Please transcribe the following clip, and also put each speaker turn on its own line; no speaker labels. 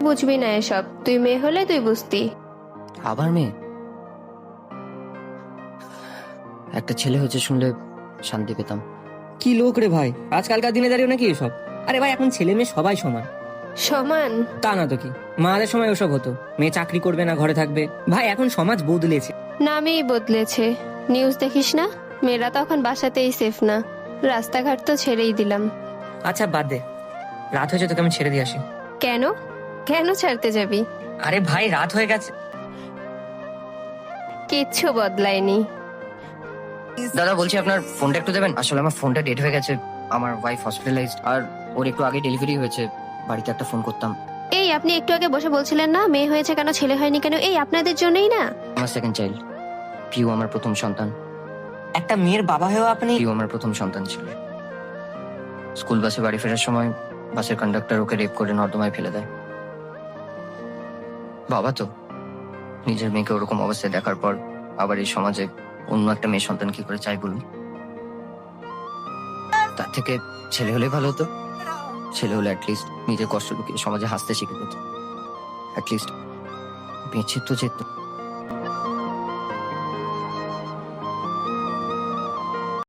বুঝবি না এসব, তুই মেয়ে হলে তুই বুঝতি।
আবার মেয়ে? একটা ছেলে হয়েছে শুনলে শান্তি পেতাম।
কি লোক রে ভাই, আজকালকার দিনে দাঁড়িয়ে নাকি এসব? আরে ভাই, এখন ছেলে মেয়ে সবাই সমান।
সমান?
তা না তো কি, মাদের সময় ওসব হতো, মেয়ে চাকরি করবে না ঘরে থাকবে। ভাই এখন সমাজ বদলেছে।
নামেই বদলেছে। নিউজ দেখিস না? মেয়েরা তখন বাসাতেই সেফ না, রাস্তাঘাট তো ছেড়েই দিলাম।
আচ্ছা বাদ দে, রাত হয়েছে, তোকে আমি ছেড়ে দিয়ে আসি।
কেন? কেন ছাড়তে যাবি?
আরে ভাই রাত হয়ে গেছে।
কিচ্ছু বদলায়নি।
দাদা বলছি আপনার ফোনটা একটু দেবেন, আসলে আমার ফোনটা ডেড হয়ে গেছে। আমার ওয়াইফ হসপিটালাইজড, আর ওর একটু আগে ডেলিভারি হয়েছে। বাড়িতে একটা ফোন করতাম।
এই আপনি একটু আগে বসে বলছিলেন না মেয়ে হয়েছে কেন, ছেলে হয়নি কেন? এই আপনাদের জন্যই না?
আমার সেকেন্ড চাইল্ড, পিউ আমার প্রথম সন্তান।
একটা মেয়ের বাবা হয়েও আপনি?
পিউ আমার প্রথম সন্তান ছিল। স্কুল বাসে বাড়ি ফেরার সময় বাসের কন্ডাক্টর ওকে রেপ করে নর্দমায় ফেলে দেয়। বাবা তো, নিজের মেয়েকে ওরকম অবস্থায় দেখার পর আবার এই সমাজে অন্য একটা মেয়ে সন্তান কি করে চাই বলুন? তার থেকে ছেলে হলে ভালো হতো। ছেলে হলে অ্যাটলিস্ট নিজের কষ্ট লুকিয়ে সমাজে হাসতে শিখে যেত, অ্যাটলিস্ট বেঁচে তো যেত।